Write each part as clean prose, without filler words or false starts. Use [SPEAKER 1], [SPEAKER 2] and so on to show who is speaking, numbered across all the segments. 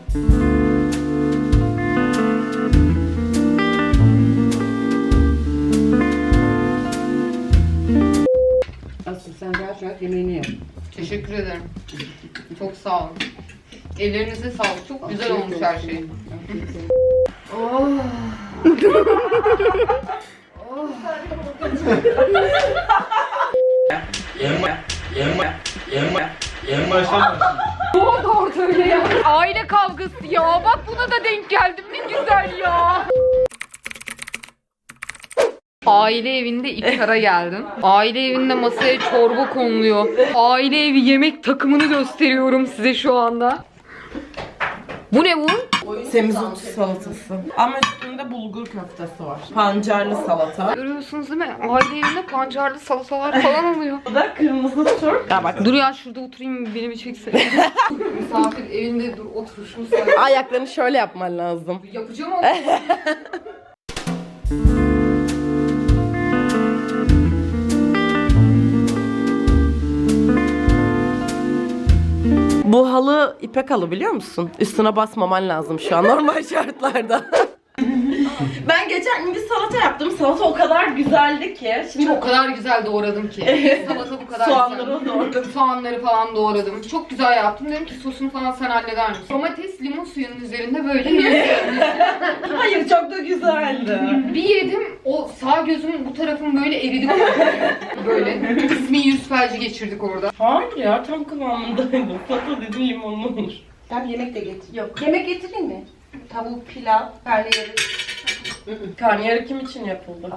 [SPEAKER 1] Asıl sen rahat rahat yemeğini yap.
[SPEAKER 2] Teşekkür ederim. Çok sağ olun. Ellerinize sağlık. Çok güzel olmuş her şey. Oh.
[SPEAKER 3] En baştan
[SPEAKER 2] Ne oldu orada öyle ya? Aile kavgası ya. Bak buna da denk geldim. Ne güzel ya. Aile evinde iftara geldim. Aile evinde masaya çorba konuluyor. Aile evi yemek takımını gösteriyorum size şu anda. Bu ne bu?
[SPEAKER 4] Semizot salatası. Ama üstünde bulgur köftesi var. Pancarlı salata.
[SPEAKER 2] Görüyorsunuz değil mi? Aile evinde pancarlı salatalar falan oluyor.
[SPEAKER 4] Bu da kırmızı turp. Ya bak
[SPEAKER 2] Dur ya şurada oturayım beni bir çeksene. Misafir evinde dur otur şu müsaade.
[SPEAKER 4] ayaklarını şöyle yapman lazım.
[SPEAKER 2] Yapacağım ama.
[SPEAKER 4] Bu halı ipek halı biliyor musun? Üstüne basmaman lazım şu an normal şartlarda. Ben geçen gün bir salata yaptım. Salata o kadar güzeldi ki. Şimdi
[SPEAKER 2] O kadar güzel doğradım ki. Salata bu kadar
[SPEAKER 4] soğanları
[SPEAKER 2] güzel.
[SPEAKER 4] doğradım.
[SPEAKER 2] Soğanları falan doğradım. Çok güzel yaptım. Dedim ki sosunu falan sen halleder misin? Domates limon suyunun üzerinde böyle yiyorum.
[SPEAKER 4] Hayır çok da güzeldi.
[SPEAKER 2] Bir yedim o sağ gözümün bu tarafım böyle eridi. Böyle. Kısmi yüz felci geçirdik orada.
[SPEAKER 4] Hayır ya tam kıvamındaydı. Salata dedim limonlu olur.
[SPEAKER 1] Tamam yemek de getir.
[SPEAKER 4] Yok.
[SPEAKER 1] Yemek getireyim mi? Tavuk, pilav, karnıyarık.
[SPEAKER 4] Karnıyarık kim için yapıldı?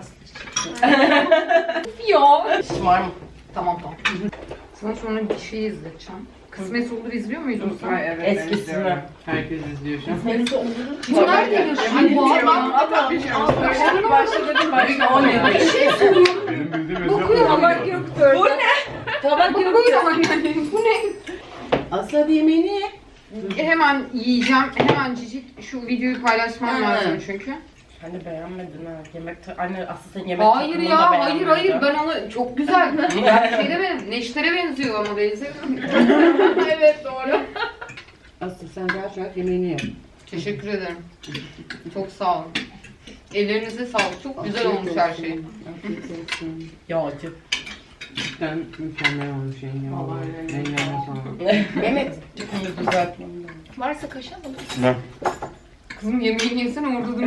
[SPEAKER 2] Ya.
[SPEAKER 4] Var mı?
[SPEAKER 2] Tamam. Sana sonra bir şey izleteceğim. Kısmet olur izliyor muydun sen?
[SPEAKER 1] Ay evet.
[SPEAKER 4] Eskisini.
[SPEAKER 1] izliyorum. Herkes izliyor şu an.
[SPEAKER 2] Bunlar geliyor şimdi bu adam.
[SPEAKER 1] Başladım. 10 yıl.
[SPEAKER 2] Bir şey soruyorum.
[SPEAKER 3] benim bildiğim
[SPEAKER 2] Dokuyor ama göktür.
[SPEAKER 4] Bu ne?
[SPEAKER 2] Tabak göktür ama yani. Bu ne?
[SPEAKER 1] Aslı hadi yemeğini ye.
[SPEAKER 2] Hemen yiyeceğim. Hemen cicik şu videoyu paylaşmam lazım çünkü.
[SPEAKER 4] Sen de beğenmedin ha. Anne aslında sen yemek
[SPEAKER 2] Hayır
[SPEAKER 4] takımını
[SPEAKER 2] ya,
[SPEAKER 4] da
[SPEAKER 2] hayır
[SPEAKER 4] beğenmedin.
[SPEAKER 2] ben onu çok güzel. Şeyde benim Neşter'e benziyor ama benziyor. Evet doğru.
[SPEAKER 1] Aslı sen rahat rahat yemeğini yap.
[SPEAKER 2] Teşekkür ederim. Çok sağ olun. Ellerinize sağlık. Çok güzel olmuş her şey.
[SPEAKER 1] Afiyet olsun.
[SPEAKER 4] Yağcı.
[SPEAKER 1] Cidden mükemmel olmuş yengem.
[SPEAKER 4] Vallahi öyle.
[SPEAKER 1] Yengem sana.
[SPEAKER 4] Mehmet. Bunu düzeltmem
[SPEAKER 2] Varsa kaşar mı?
[SPEAKER 3] Ne?
[SPEAKER 2] Kızım yemeğini yesene orada dur.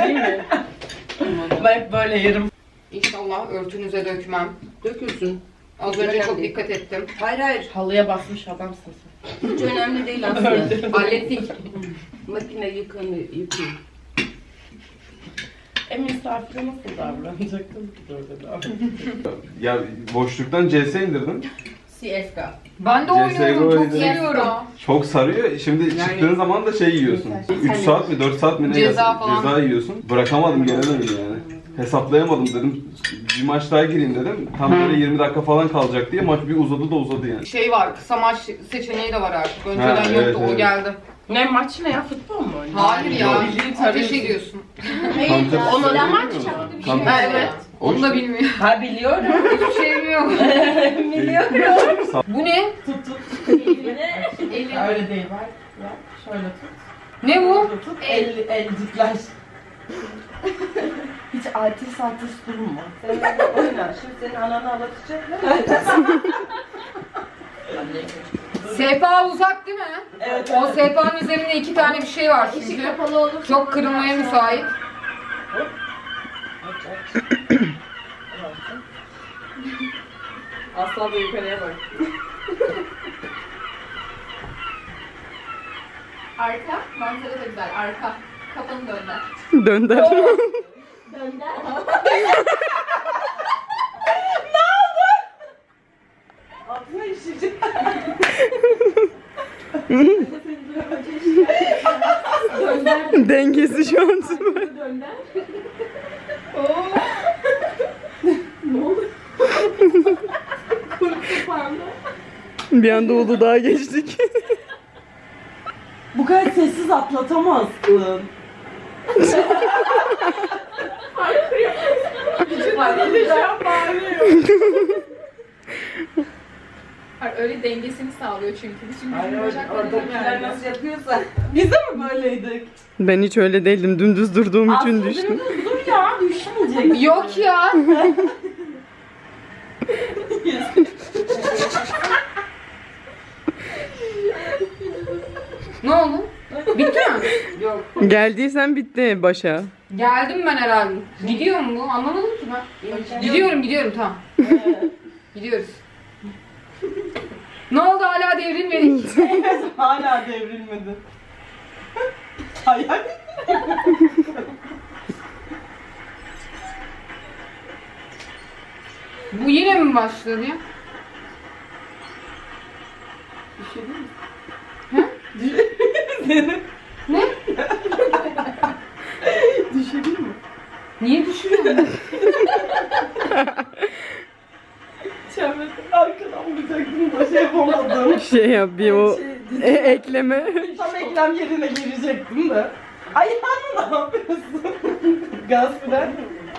[SPEAKER 4] Ben hep böyle yerim.
[SPEAKER 2] İnşallah örtünüze dökmem.
[SPEAKER 1] Dökülsün.
[SPEAKER 2] Az önce çok dikkat ettim.
[SPEAKER 1] Hayır hayır.
[SPEAKER 4] Halıya basmış adamsın sen.
[SPEAKER 1] Hiç önemli değil Aslı.
[SPEAKER 2] Hallettik.
[SPEAKER 1] Makine yıkıyor.
[SPEAKER 4] Misafire nasıl davranacaktın ki orada?
[SPEAKER 3] Ya boşluktan CS indirdim.
[SPEAKER 1] CSGO.
[SPEAKER 2] Ben de
[SPEAKER 3] CS:GO
[SPEAKER 2] oynuyorum. Çok
[SPEAKER 3] oynadım.
[SPEAKER 2] seviyorum.
[SPEAKER 3] Çok sarıyor. Şimdi
[SPEAKER 1] Yani-
[SPEAKER 3] çıktığın zaman da şey yiyorsun. 3 saat mi 4 saat mi ne
[SPEAKER 2] Ceza
[SPEAKER 3] yiyorsun?
[SPEAKER 2] falan.
[SPEAKER 3] Ceza yiyorsun. Bırakamadım gelemedim yani. Hesaplayamadım dedim. Bir maç daha gireyim dedim. Tam böyle 20 dakika falan kalacak diye maç bir uzadı da uzadı yani.
[SPEAKER 2] Şey var, kısa maç seçeneği de var artık. Önceden
[SPEAKER 3] Ha,
[SPEAKER 2] yoktu,
[SPEAKER 3] evet,
[SPEAKER 2] o
[SPEAKER 3] evet.
[SPEAKER 2] geldi.
[SPEAKER 4] Ne maç ne ya? Futbol mu oynuyor?
[SPEAKER 2] Hayır ya,
[SPEAKER 3] Yok.
[SPEAKER 2] ateş ediyorsun.
[SPEAKER 3] Counter
[SPEAKER 4] Onu
[SPEAKER 3] Strike
[SPEAKER 4] da maç
[SPEAKER 3] biliyor musun?
[SPEAKER 4] çaldı bir
[SPEAKER 3] Counter
[SPEAKER 4] şey.
[SPEAKER 3] Strike.
[SPEAKER 4] Evet.
[SPEAKER 3] O
[SPEAKER 2] Onu da
[SPEAKER 3] işte.
[SPEAKER 2] bilmiyor.
[SPEAKER 4] Ha biliyorum.
[SPEAKER 2] Hiçbir şey bilmiyor.
[SPEAKER 4] Biliyorum.
[SPEAKER 2] Bu ne?
[SPEAKER 4] Öyle değil var. Ya şöyle tut.
[SPEAKER 2] Ne bu?
[SPEAKER 4] Tut. Elcikler. Hiç artist durma.
[SPEAKER 1] Sen orada oyna. Şimdi senin ananı ağlatacaklar.
[SPEAKER 2] Sehpa uzak değil mi?
[SPEAKER 4] Evet.
[SPEAKER 2] O sehpanın üzerinde 2 tane bir şey var çünkü.
[SPEAKER 1] Kapalı olur.
[SPEAKER 2] Çok kırılmaya müsait.
[SPEAKER 4] Aslan da yukarıya bak.
[SPEAKER 5] Arka, manzara da güzel. Arka. Kafanı dönder.
[SPEAKER 4] Dönder.
[SPEAKER 5] Dönder.
[SPEAKER 4] Altına işecek. Dengesi şu an süper.
[SPEAKER 5] Dönder.
[SPEAKER 4] Bir anda Uludağ'a geçtik. Bu kadar sessiz atlatamazsın.
[SPEAKER 5] Hayır, öyle dengesini sağlıyor çünkü. Şimdi
[SPEAKER 1] Hayır,
[SPEAKER 5] bizim bacaklarımız
[SPEAKER 1] oradakiler
[SPEAKER 5] yani.
[SPEAKER 1] nasıl yapıyorsa.
[SPEAKER 4] Biz de mi böyleydik?
[SPEAKER 6] Ben hiç öyle değildim. Dümdüz durduğum için düştüm.
[SPEAKER 4] Dur ya düşmeyecek.
[SPEAKER 2] Yok ya. Ne oldu? Bitti mi?
[SPEAKER 1] Yok.
[SPEAKER 6] Geldiysen bitti başa.
[SPEAKER 2] Geldim ben herhalde. Gidiyor mu bu? Anlamadım ki ben. Gidiyorum tamam. Gidiyoruz. Ne oldu hala devrilmedik?
[SPEAKER 4] Hala devrilmedi. Hayal.
[SPEAKER 2] Bu yine mi başladı ya? Ne?
[SPEAKER 4] Düşebilir mi?
[SPEAKER 2] Niye düşüyorsun?
[SPEAKER 4] Çemberden arkadan vuracaktım da şey yapamadım.
[SPEAKER 6] Şey yap bir o ekleme.
[SPEAKER 4] Tam eklem yerine girecektim de. Ayağını ne yapıyorsun? Gaz fren.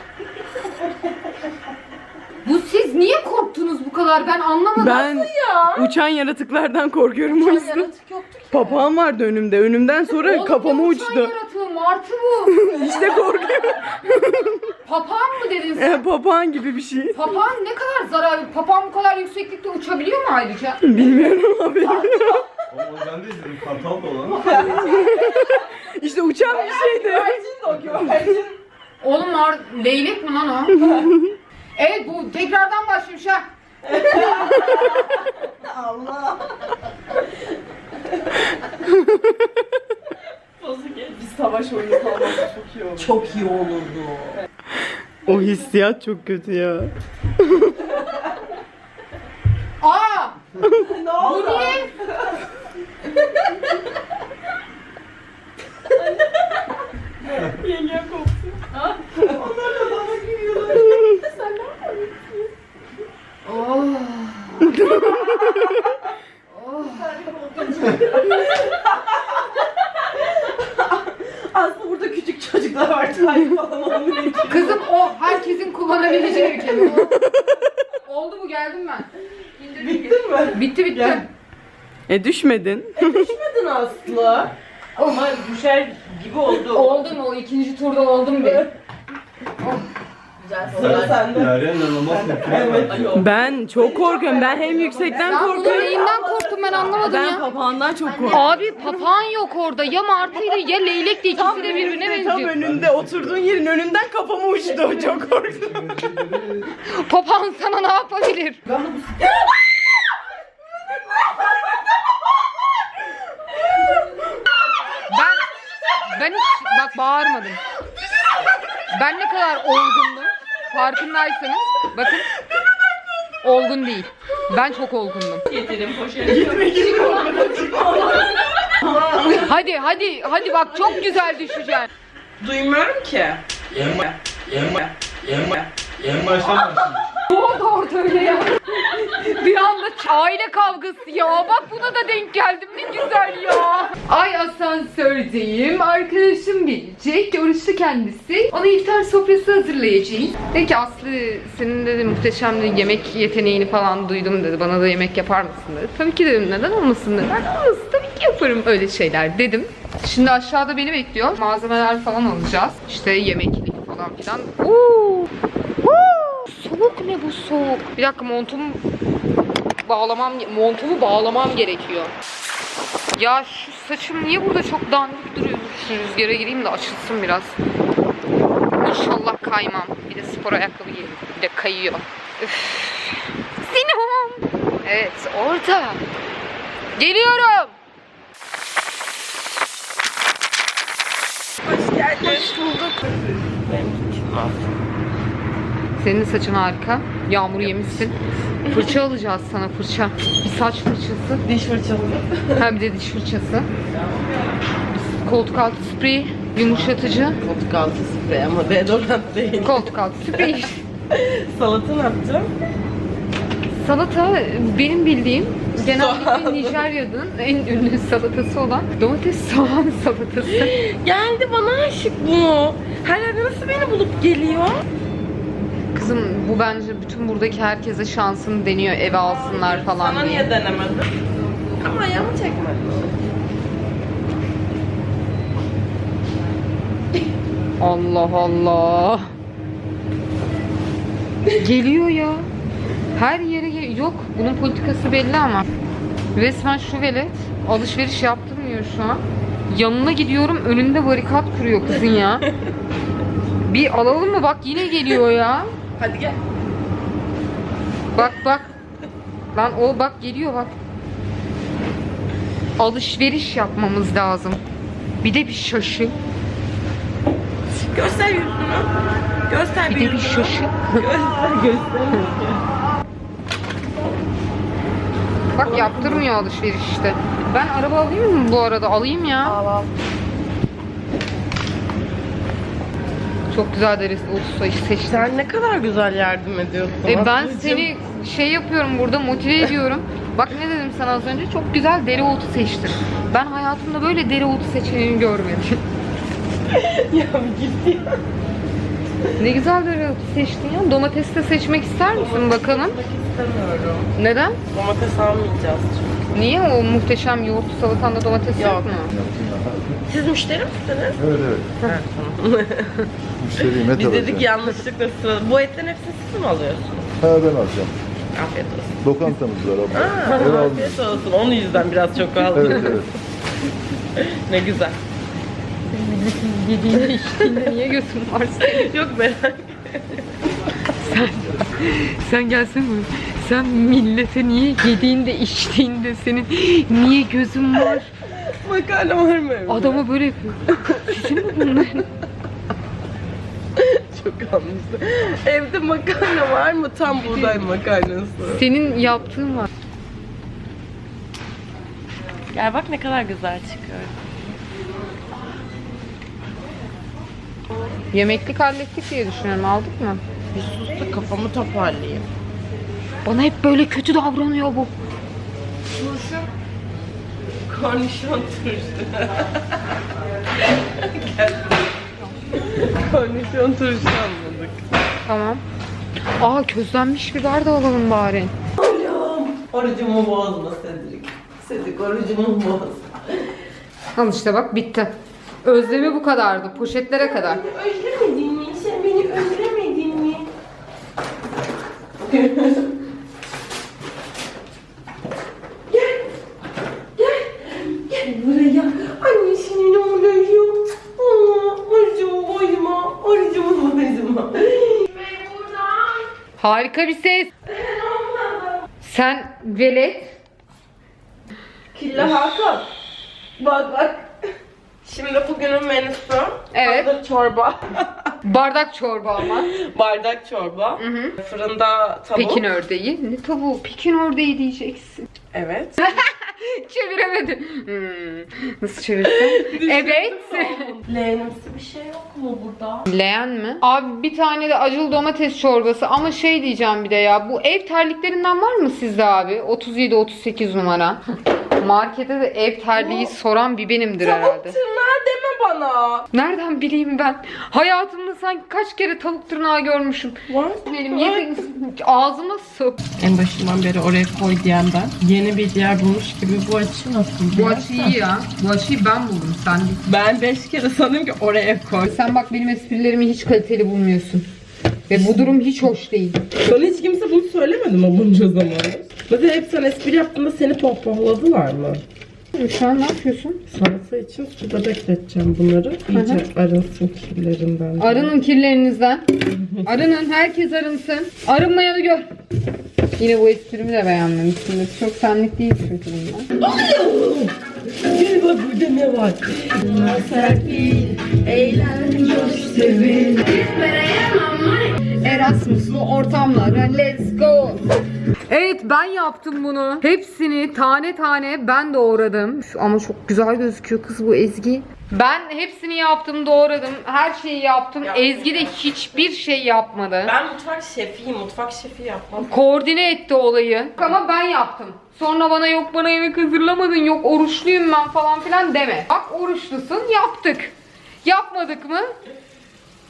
[SPEAKER 2] Bu siz niye korktunuz bu kadar? Ben anlamadım.
[SPEAKER 6] Ben uçan yaratıklardan korkuyorum o yüzden.
[SPEAKER 4] Yaratık yoktu ki.
[SPEAKER 6] Papağan vardı önümde. Önümden sonra
[SPEAKER 2] Oğlum,
[SPEAKER 6] kafama
[SPEAKER 2] ne uçan
[SPEAKER 6] uçtu.
[SPEAKER 2] yaratığı, martı bu.
[SPEAKER 6] İşte korkuyorum.
[SPEAKER 2] Papağan mı dedin sen?
[SPEAKER 6] Papağan gibi bir şey.
[SPEAKER 2] Papağan ne kadar zararlı? Papağan bu kadar yükseklikte uçabiliyor mu ayrıca?
[SPEAKER 6] Bilmiyorum abi.
[SPEAKER 3] Oğlum ben de izledim. Kartal da olan.
[SPEAKER 6] İşte uçan bir şeydi.
[SPEAKER 4] Güvercin de o güvercin.
[SPEAKER 2] Oğlum leylek mi lan o? Evet bu tekrardan başlamış ha.
[SPEAKER 4] Allah. Biz savaş oyunu kalması çok iyi olurdu. Çok iyi olurdu.
[SPEAKER 6] O hissiyat çok kötü ya.
[SPEAKER 2] Aa!
[SPEAKER 4] Ne
[SPEAKER 2] Bu
[SPEAKER 4] oldu?
[SPEAKER 2] niye?
[SPEAKER 4] Yenge koptu. Onlar da bana gülüyorlar. Sen ne yapıyorsun?
[SPEAKER 2] Oh.
[SPEAKER 4] Aslında burada küçük çocuklar var. Tarih falan olmuyor.
[SPEAKER 2] Kızım o herkesin kullanabileceği bir kelime. Oldu bu geldim ben.
[SPEAKER 4] Bittin mi?
[SPEAKER 2] Bitti.
[SPEAKER 4] Gel.
[SPEAKER 6] Düşmedin.
[SPEAKER 4] Düşmedin Aslı.
[SPEAKER 1] Ama düşer gibi oldu.
[SPEAKER 2] Oldum o ikinci turda oldum bir.
[SPEAKER 4] Sıra sende.
[SPEAKER 3] Derya inanılmaz tepkiler
[SPEAKER 4] Evet.
[SPEAKER 3] verdi.
[SPEAKER 6] Ben çok korkuyorum. Ben hem yüksekten
[SPEAKER 2] Ben bunun
[SPEAKER 6] korkuyorum.
[SPEAKER 2] neyinden korktum ben anlamadım
[SPEAKER 6] Ben
[SPEAKER 2] ya.
[SPEAKER 6] papağandan çok korkuyorum.
[SPEAKER 2] Abi papağan yok orada. Ya martıydı ya leylekti. İkisi de birbirine
[SPEAKER 6] Tam
[SPEAKER 2] benziyor.
[SPEAKER 6] önünde oturduğun yerin önünden kafama uçtu. Çok korktum.
[SPEAKER 2] Papağan sana ne yapabilir? Ben hiç bak bağırmadım. Ben ne kadar olgundum. Farkındaysanız bakın. Olgun değil. Ben çok olgundum.
[SPEAKER 1] Getirin poşeti.
[SPEAKER 2] Hadi bak çok güzel düşeceksin.
[SPEAKER 4] Duymuyorum ki.
[SPEAKER 3] En baştan başlamış.
[SPEAKER 2] Ne oldu orada öyle ya? Bir anda aile kavgası ya. Bak buna da denk geldim. Ne güzel ya. Ay asansördeyim. Arkadaşım gelecek. Oruçlu kendisi. Ona iftar sofrası hazırlayacağım. Dedi ki Aslı senin dedi muhteşem de yemek yeteneğini falan duydum dedi. Bana da yemek yapar mısın dedi. Tabii ki dedim neden olmasın dedi. Ben olmasın tabii ki yaparım öyle şeyler dedim. Şimdi aşağıda beni bekliyor. Malzemeler falan alacağız. İşte yemeklik falan filan. Soğuk ne bu soğuk? Bir dakika montumu bağlamam gerekiyor. Ya şu saçım niye burada çok dandik duruyor? Şu rüzgara gireyim de açılsın biraz. İnşallah kaymam. Bir de spor ayakkabı giydim. Bir de kayıyor. Üff. Sinem. Evet orada. Geliyorum.
[SPEAKER 4] Hoş geldin.
[SPEAKER 2] Hoş bulduk. Senin saçın harika. Yağmur yemişsin. Fırça alacağız sana fırça. Bir saç fırçası.
[SPEAKER 4] Diş fırçalı.
[SPEAKER 2] Ha bir de diş fırçası. Koltuk altı sprey, yumuşatıcı.
[SPEAKER 4] Koltuk altı sprey ama deodorant değil.
[SPEAKER 2] Koltuk altı sprey.
[SPEAKER 4] Salata ne yapacağım?
[SPEAKER 2] Salata benim bildiğim genellikle Nijerya'nın en ünlü salatası olan domates soğan salatası.
[SPEAKER 4] Geldi bana aşık bu. Her yerde nasıl beni bulup geliyor?
[SPEAKER 2] Kızım bu bence bütün buradaki herkese şansını deniyor, eve alsınlar falan
[SPEAKER 4] Sana
[SPEAKER 2] diye.
[SPEAKER 4] niye denemedin? Ama ayağımı çekmedin.
[SPEAKER 2] Allah Allah. Geliyor ya. Her yere yok. Bunun politikası belli ama. Resmen şu velet alışveriş yaptırmıyor şu an. Yanına gidiyorum, önünde barikat kuruyor kızın ya. Bir alalım mı? Bak yine geliyor ya.
[SPEAKER 4] Hadi gel.
[SPEAKER 2] Bak bak. Lan o bak geliyor bak. Alışveriş yapmamız lazım. Bir de bir şaşı.
[SPEAKER 4] Göster yüzünü. Göster
[SPEAKER 2] Bir de bir
[SPEAKER 4] yüzünü.
[SPEAKER 2] şaşı.
[SPEAKER 4] Göster.
[SPEAKER 2] Bak yaptırmıyor alışveriş işte. Ben araba alayım mı bu arada? Alayım ya.
[SPEAKER 4] Al.
[SPEAKER 2] Çok güzel deriz Ulus'u seçtim.
[SPEAKER 4] Sen ne kadar güzel yardım ediyorsun.
[SPEAKER 2] Ben
[SPEAKER 4] Aslıcığım.
[SPEAKER 2] seni şey yapıyorum burada, motive ediyorum. Bak ne dedim sana az önce? Çok güzel dereotu seçtim. Ben hayatımda böyle dereotu seçeneğini görmedim.
[SPEAKER 4] Ya bir git ya.
[SPEAKER 2] Ne güzel dereotu seçtin ya. Domates de seçmek ister misin bakalım?
[SPEAKER 4] İstemiyorum.
[SPEAKER 2] Neden?
[SPEAKER 4] Domates almayacağız çünkü.
[SPEAKER 2] Niye o muhteşem yoğurtlu salatanda domates yok
[SPEAKER 4] Yok.
[SPEAKER 2] mu?
[SPEAKER 4] Siz müşteri misiniz?
[SPEAKER 7] Evet evet.
[SPEAKER 4] Evet, tamam.
[SPEAKER 7] Müşteriyim et
[SPEAKER 4] Biz
[SPEAKER 7] alacağım.
[SPEAKER 4] dedik yanlışlıkla sırada. Bu etlerin hepsini siz mi alıyorsunuz?
[SPEAKER 7] Ha ben alacağım.
[SPEAKER 4] Afiyet olsun.
[SPEAKER 7] Lokantamız var abla.
[SPEAKER 4] Aa,
[SPEAKER 7] Ben aldım.
[SPEAKER 4] afiyet olsun. Onun yüzden biraz çok aldım.
[SPEAKER 7] Evet evet.
[SPEAKER 4] Ne güzel.
[SPEAKER 2] Yediğinde içtiğinde niye gözün var senin?
[SPEAKER 4] Yok merak.
[SPEAKER 2] Sen gelsene buraya. Sen millete niye yediğinde içtiğinde senin niye gözün var?
[SPEAKER 4] Makarna var mı evde?
[SPEAKER 2] Adama böyle yapıyor. Sizin mi bunlar?
[SPEAKER 4] Çok anlaşıldı. Evde makarna var mı? Tam buğday makarnası.
[SPEAKER 2] Senin yaptığın var.
[SPEAKER 4] Gel bak ne kadar güzel çıkıyor.
[SPEAKER 2] Yemeklik hallettik diye düşünüyorum. Aldık mı?
[SPEAKER 4] Bir sus da kafamı toparlayayım.
[SPEAKER 2] Bana hep böyle kötü davranıyor bu.
[SPEAKER 4] Turşu. Kornişon turşu. Gel. Kornişon turşu almadık.
[SPEAKER 2] Tamam. Aa közlenmiş biber de alalım bari.
[SPEAKER 4] Orucumu bozma Cedric. Cedric orucumu bozma.
[SPEAKER 2] Al işte bak bitti. Özlemi bu kadardı. Poşetlere kadar.
[SPEAKER 4] Özlemedin mi? Sen beni özlemedin mi? Gel buraya. Annesinin oğluyum. Orucumu bozma. Orucumu bozma.
[SPEAKER 2] Harika bir ses. Sen velet.
[SPEAKER 4] Killa Hakan. Bak. Şimdi bugünün menüsü.
[SPEAKER 2] Evet.
[SPEAKER 4] Hazır çorba.
[SPEAKER 2] Bardak çorba ama.
[SPEAKER 4] Bardak çorba. Fırında tavuk.
[SPEAKER 2] Pekin ördeği. Ne tavuğu? Pekin ördeği diyeceksin.
[SPEAKER 4] Evet.
[SPEAKER 2] Çeviremedim. Nasıl çevirsem? Evet.
[SPEAKER 4] Leğenimsi bir şey yok mu burada?
[SPEAKER 2] Leğen mi? Abi bir tane de acılı domates çorbası ama şey diyeceğim bir de ya. Bu ev terliklerinden var mı sizde abi? 37-38 numara. Markete de ev terliği soran bir benimdir herhalde.
[SPEAKER 4] Tırnağı deme bana.
[SPEAKER 2] Nereden bileyim ben? Hayatımda sanki kaç kere tavuk tırnağı görmüşüm.
[SPEAKER 4] Var.
[SPEAKER 2] Benim ağzıma sok.
[SPEAKER 4] En başından beri oraya koy diyen ben. Yeni bir yer bulmuş gibi bu açı nasıl?
[SPEAKER 2] Bu açıyı iyi ya. Bu açıyı ben buldum sen değil.
[SPEAKER 4] Ben 5 kere sandım ki oraya koy.
[SPEAKER 2] Sen bak benim esprilerimi hiç kaliteli bulmuyorsun. Ve bu durum hiç hoş değil.
[SPEAKER 4] Bana hiç kimse bunu söylemedi mi bunca zaman? Mesela hep sen espri yaptığında seni pohpohladılar mı?
[SPEAKER 2] Şu an ne yapıyorsun?
[SPEAKER 4] Salata için suda bekleteceğim bunları. İyice arınsın kirlerinden.
[SPEAKER 2] Arının kirlerinizden. Arının, herkes arınsın. Arınmayanı gör. Yine bu esprimi de beğenmemişsindir. Çok senlik değil çünkü bunlar.
[SPEAKER 4] Gel bak burada ne var? Serpil, eğlen, coş, sevin.
[SPEAKER 2] Erasmus'lu ortamlara let's go. Evet ben yaptım bunu. Hepsini tane tane ben doğradım. Ama çok güzel gözüküyor kız bu Ezgi. Ben hepsini yaptım, doğradım. Her şeyi yaptım. Ezgi de hiçbir şey yapmadı.
[SPEAKER 4] Ben mutfak şefiyim. Mutfak şefi yapmam.
[SPEAKER 2] Koordine etti olayı. Ama ben yaptım. Sonra bana yok bana yemek hazırlamadın, yok oruçluyum ben falan filan deme. Bak oruçlusun, yaptık. Yapmadık mı?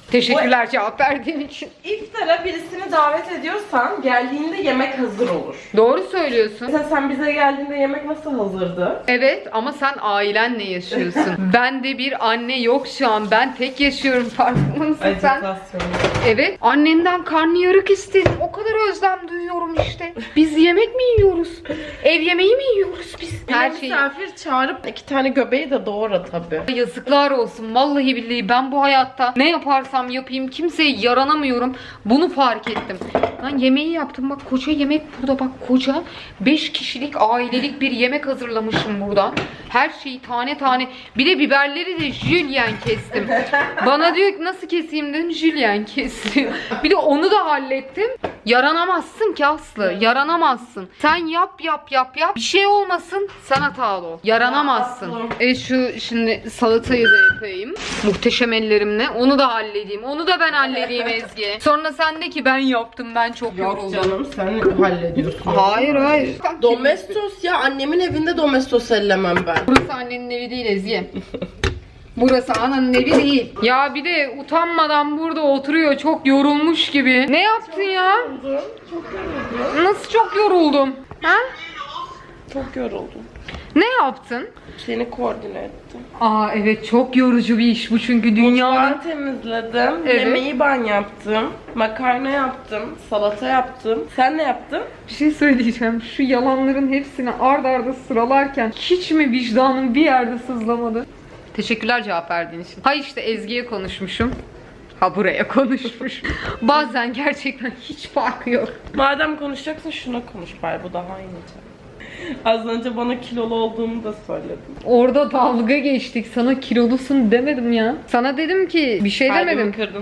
[SPEAKER 2] Teşekkürler cevap verdiğin için.
[SPEAKER 4] İftara birisini davet ediyorsan geldiğinde yemek hazır olur.
[SPEAKER 2] Doğru söylüyorsun.
[SPEAKER 4] Mesela sen bize geldiğinde yemek nasıl hazırdı?
[SPEAKER 2] Evet ama sen ailenle yaşıyorsun. Ben de bir anne yok şu an. Ben tek yaşıyorum, farkında mısın sen?
[SPEAKER 4] Ajitasyon.
[SPEAKER 2] Evet. Annemden karnıyarık istedim. O kadar özlem duyuyorum işte. Biz yemek mi yiyoruz? Ev yemeği mi yiyoruz biz? Her şeyi.
[SPEAKER 4] Misafir çağırıp 2 tane göbeği de doğra tabii.
[SPEAKER 2] Yazıklar olsun. Vallahi billahi ben bu hayatta ne yaparsam yapayım kimseye yaranamıyorum. Bunu fark ettim. Lan yemeği yaptım. Bak koca yemek burada. Bak koca 5 kişilik ailelik bir yemek hazırlamışım burada. Her şeyi tane tane. Bir de biberleri de jülyen kestim. Bana diyor ki nasıl keseyim dedim. Jülyen kestim. Bir de onu da hallettim. Yaranamazsın ki Aslı. Yaranamazsın. Sen yap. Bir şey olmasın sen hatalı ol. Yaranamazsın. Şu şimdi salatayı da yapayım. Muhteşem ellerimle. Onu da halledeyim. Onu da ben halledeyim Ezgi. Sonra sen de ki ben yaptım. Ben çok
[SPEAKER 4] Yok
[SPEAKER 2] yoruldum.
[SPEAKER 4] canım sen hallediyorsun.
[SPEAKER 2] Hayır.
[SPEAKER 4] Domestos ya, annemin evinde domestos ellemem ben.
[SPEAKER 2] Burası annenin evi değil Ezgi. Burası ananın evi değil. Ya bir de utanmadan burada oturuyor çok yorulmuş gibi. Ne yaptın ya? Nasıl çok yoruldum? Ha?
[SPEAKER 4] Çok yoruldum.
[SPEAKER 2] Ne yaptın?
[SPEAKER 4] Seni koordine ettim.
[SPEAKER 2] Aa evet çok yorucu bir iş bu çünkü dünyanın...
[SPEAKER 4] Mutfağı temizledim,
[SPEAKER 2] Evet.
[SPEAKER 4] yemeği ben yaptım, makarna yaptım, salata yaptım. Sen ne yaptın?
[SPEAKER 2] Bir şey söyleyeceğim. Şu yalanların hepsini ard arda sıralarken hiç mi vicdanın bir yerde sızlamadı? Teşekkürler cevap verdiğin için. Ha işte Ezgi'ye konuşmuşum. Ha buraya konuşmuş. Bazen gerçekten hiç farkı yok.
[SPEAKER 4] Madem konuşacaksın şuna konuş bari, bu daha iyice. Az önce bana kilolu olduğumu da söyledin.
[SPEAKER 2] Orada dalga geçtik. Sana kilolusun demedim ya. Sana dedim ki bir şey
[SPEAKER 4] Kalbimi
[SPEAKER 2] demedim.
[SPEAKER 4] kırdın.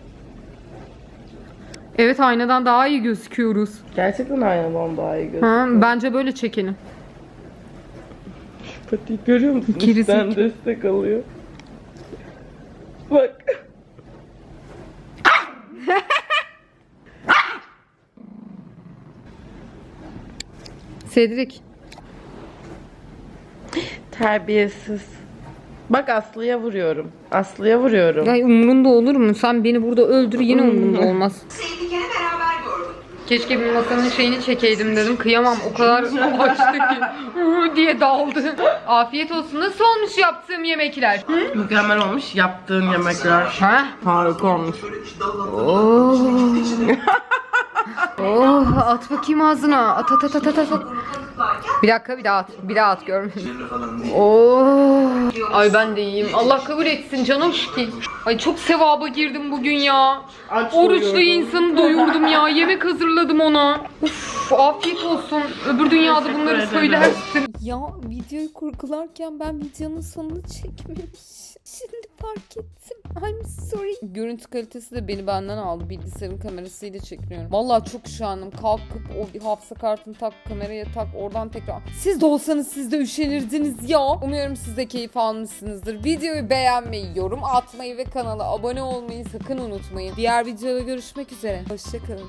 [SPEAKER 2] Evet aynadan daha iyi gözüküyoruz.
[SPEAKER 4] Gerçekten aynadan daha iyi gözüküyor.
[SPEAKER 2] Ha, bence böyle çekelim.
[SPEAKER 4] Patiği görüyor musun?
[SPEAKER 2] Gerisi-
[SPEAKER 4] Sen destek alıyor. Bak.
[SPEAKER 2] Cedric.
[SPEAKER 4] Terbiyesiz. Bak Aslı'ya vuruyorum. Aslı'ya vuruyorum.
[SPEAKER 2] Ya umurunda olur mu? Sen beni burada öldür yine umurunda olmaz. Keşke bir masanın şeyini çekeydim dedim. Kıyamam o kadar açtı ki. Diye daldı. Afiyet olsun. Nasıl olmuş yaptığım yemekler?
[SPEAKER 4] Mükemmel olmuş yaptığın yemekler.
[SPEAKER 2] Ha?
[SPEAKER 4] Harika olmuş.
[SPEAKER 2] Oh at bakayım ağzına. At. Bir dakika bir daha at görmedim. Oh. Ay ben de iyiyim. Allah kabul etsin canım ki. Ay çok sevaba girdim bugün ya. Oruçlu insanı doyurdum ya. Yemek hazırladım ona. Uf afiyet olsun. Öbür dünyada bunları söylersin.
[SPEAKER 8] Ya videoyu kurgularken ben videonun sonunu çekmemişim. Şimdi fark ettim. I'm sorry. Görüntü kalitesi de beni benden aldı. Bilgisayarın kamerasıyla çekiyorum. Vallahi çok üşendim. Kalkıp o hafıza kartını tak, kameraya tak, oradan tekrar. Siz de olsanız siz de üşenirdiniz ya. Umuyorum siz de keyif almışsınızdır. Videoyu beğenmeyi, yorum atmayı ve kanala abone olmayı sakın unutmayın. Diğer videoda görüşmek üzere. Hoşçakalın.